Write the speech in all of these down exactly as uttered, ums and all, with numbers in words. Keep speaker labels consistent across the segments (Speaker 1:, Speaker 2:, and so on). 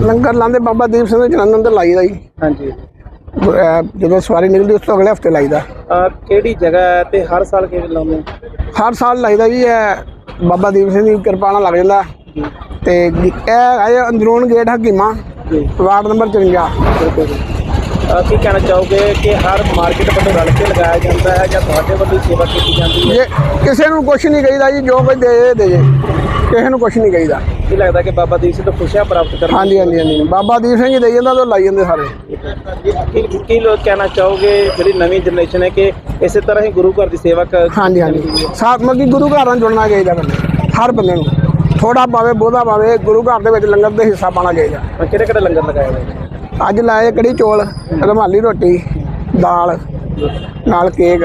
Speaker 1: लंगर लाते बाबा दीप सिंह जलंधर तो लाई जी।
Speaker 2: हाँ जी।
Speaker 1: जो सवारी निकलती उस तो अगले हफ्ते लाई
Speaker 2: केड़ी जगह है ते हर साल किवें लाउने?
Speaker 1: हर साल लाई जी। है बाबा दीप सिंह की कृपा नाल लग जाता ते है अंदरून गेट हकीमा वार्ड नंबर चुरंजा।
Speaker 2: की कहना चाहोगे कि हर मार्केट वालों रल के लगाया जाता है या तुहाडे वालों सेवा की जाती है?
Speaker 1: किसी को कुछ नहीं कहीदा जी, जो कोई दे दे किसी को कुछ नहीं कहीदा।
Speaker 2: की लगता कि बाबा दीप सिंह तो खुशियां प्राप्त कर? हाँ
Speaker 1: जी हाँ जी हाँ जी, बाबा दीप सिंह जी दे जाता तो लाई जाते सारे।
Speaker 2: की लोग कहना चाहोगे जी नवी जनरेशन है कि इस तरह ही गुरु घर की सेवा कर? हाँ जी हाँ जी,
Speaker 1: साथ मतलब गुरु घर जुड़ना चाहिए बंदे, हर बंदे को थोड़ा पावे बहुता पावे गुरु घर के लंगर का हिस्सा पाना चाहिए।
Speaker 2: किहड़े किहड़े लंगर लगाए गए?
Speaker 1: अज लाए कड़ी चौल, रुमाली रोटी, दाल नाल केक,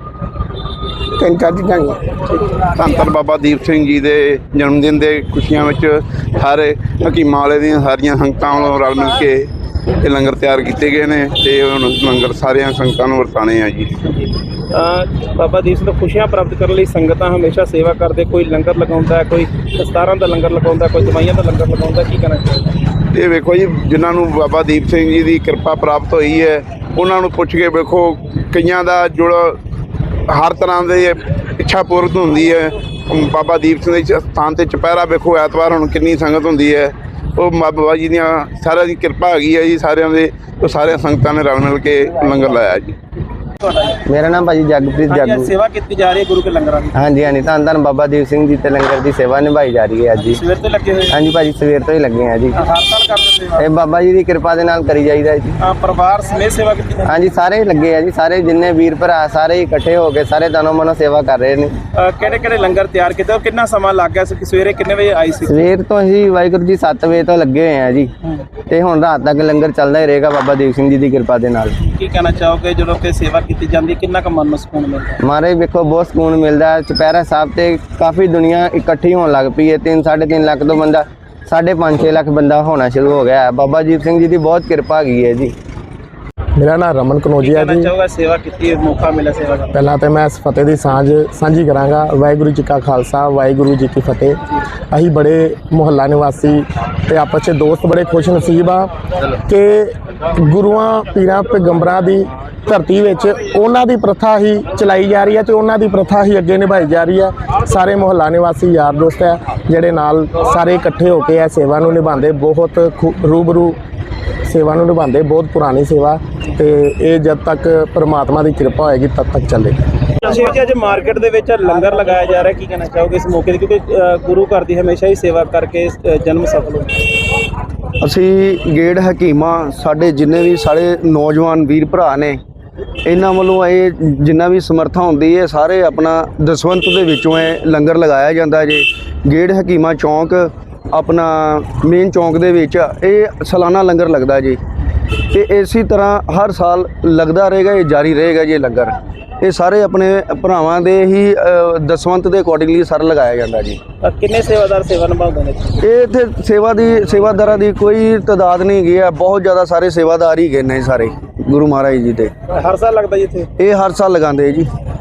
Speaker 1: तीन चार चीज़ां।
Speaker 3: धन धन बाबा दीप सिंह जी के जन्मदिन के खुशियां विच सारे हकीमां वाले दी सारियां संगतां वालों रल मिल के ये लंगर तैयार किए गए हैं ते हुण लंगर सारियां संगतां नूं वरताने आ जी।
Speaker 2: बाबा दीप सिंह खुशियां प्राप्त करने लई संगतां हमेशा सेवा करते, कोई लंगर लगाउंदा है, कोई दस्तारां दा लंगर लगाउंदा, कोई दवाइयां दा लंगर लगाउंदा। की कहना चाहिए?
Speaker 3: ये वेखो जी, जिन्होंने बाबा दीप सिंह जी की कृपा प्राप्त हुई है उन्होंने पुछ के वेखो कईयां दा जुड़ हर तरह की इच्छा पूरत होंदी है। बाबा दीप सिंह के स्थान से चुपहरा वेखो ऐतवार हुण कितनी संगत होंदी है। वो बाबा जी दियां सारिਆਂ की कृपा हैगी है जी, सारिਆਂ ਦੇ तो सारे संगतां ने रल मिल के लंगर लाया जी।
Speaker 4: मेरा नाम भाजी जगप्रीत जागू।
Speaker 2: सेवा की जा रही है गुरु के लंगर की?
Speaker 4: हाँ जी हाँ जी, धन धन बाबा दीप सिंह जी ते लंगर की सेवा निभाई जा रही है अज जी।
Speaker 2: सवेर तो लगे हुए? हाँ जी
Speaker 4: भाजी सवेर तो ही लगे हैं जी।
Speaker 2: हर साल करते सेवा?
Speaker 4: बाबा जी की कृपा दे नाल करी जाईदा जी।
Speaker 2: परिवार समेत सेवा की?
Speaker 4: हाँ जी, सारे लगे है जी, सारे जिन्ने वीर भरा सारे इकट्ठे होके सारे तनो मनो सेवा कर रहे हैं।
Speaker 2: किहड़े किहड़े लंगर तैयार किए? कितना समा लग गया? सवेरे कितने बजे आई सी?
Speaker 4: सवेर तो ही वाहिगुरू जी सत्त बजे तो लगे हुए हैं जी ते हुण रात तक लंगर चलता ही रहेगा बाबा दीप सिंह जी की कृपा दे नाल।
Speaker 2: की कहना चाहोगे जो कि सेवा की जाती कितना क मन में सुकून मिलता?
Speaker 4: मारे वेखो बहुत सुकून मिलता है। चुपहरा साहब से काफ़ी दुनिया इकट्ठी होने लग पई है। तीन साढ़े तीन लाख तो बंदा साढ़े पाँच छे लाख बंदा होना शुरू हो गया है। बाबा दीप सिंह जी की बहुत कृपा की है जी।
Speaker 1: मेरा नाम रमन कनौजिया जी।
Speaker 2: चाहूँगा सेवा की मौका मिला सेवा का?
Speaker 1: पहला तो मैं इस फतेह की सांझ साझी कराँगा। वाहिगुरू जी का खालसा वाहिगुरू जी की फतेह। अही बड़े मुहल्ला निवासी ते आपस में दोस्त बड़े खुश नसीब आ कि गुरुआं पीरां पैगंबरां दी धरती विच उन्हां दी प्रथा ही चलाई जा रही है तो उन्हां दी प्रथा ही अगे निभाई जा रही है। सारे मुहल्ला निवासी यार दोस्त है जिहड़े नाल सारे इकट्ठे होकर यह सेवा नूं निभांदे, बहुत रूबरू सेवा नूं निभांदे, बहुत पुरानी सेवा ते ये जब तक परमात्मा की कृपा होएगी तब तक चलेगी।
Speaker 2: अज मार्केट दे विच लंगर लगाया जा रहा है, की कहना चाहोगे इस मौके क्योंकि गुरु घर की हमेशा ही सेवा करके जन्म सफल हो?
Speaker 5: असी गेड़ हकीमा साढ़े जिन्ने भी साढ़े नौजवान वीर भरा ने इन्हां वालों ये जिन्ना भी समर्था होंदी है सारे अपना दसवंत दे विचों लंगर लगाया जाता है जी। गेड़ हकीमा चौंक अपना मेन चौंक दे विच ये सालाना लंगर लगता जी ते इसी तरह हर साल लगता रहेगा, ये जारी रहेगा जी। लंगर ये सारे अपने भरावां दे ही दसवंत के अकॉर्डिंगली सर लगाया जाता जी।
Speaker 2: कितने सेवादार सेवा निभाते हैं?
Speaker 5: ये इत्थे सेवा दी सेवादारां दी कोई तादाद नहीं गई है, बहुत ज़्यादा सारे सेवादार ही गए ने सारे गुरु महाराज जी दे।
Speaker 2: हर साल लगता जी इत्थे?
Speaker 5: ये हर साल लगाते जी।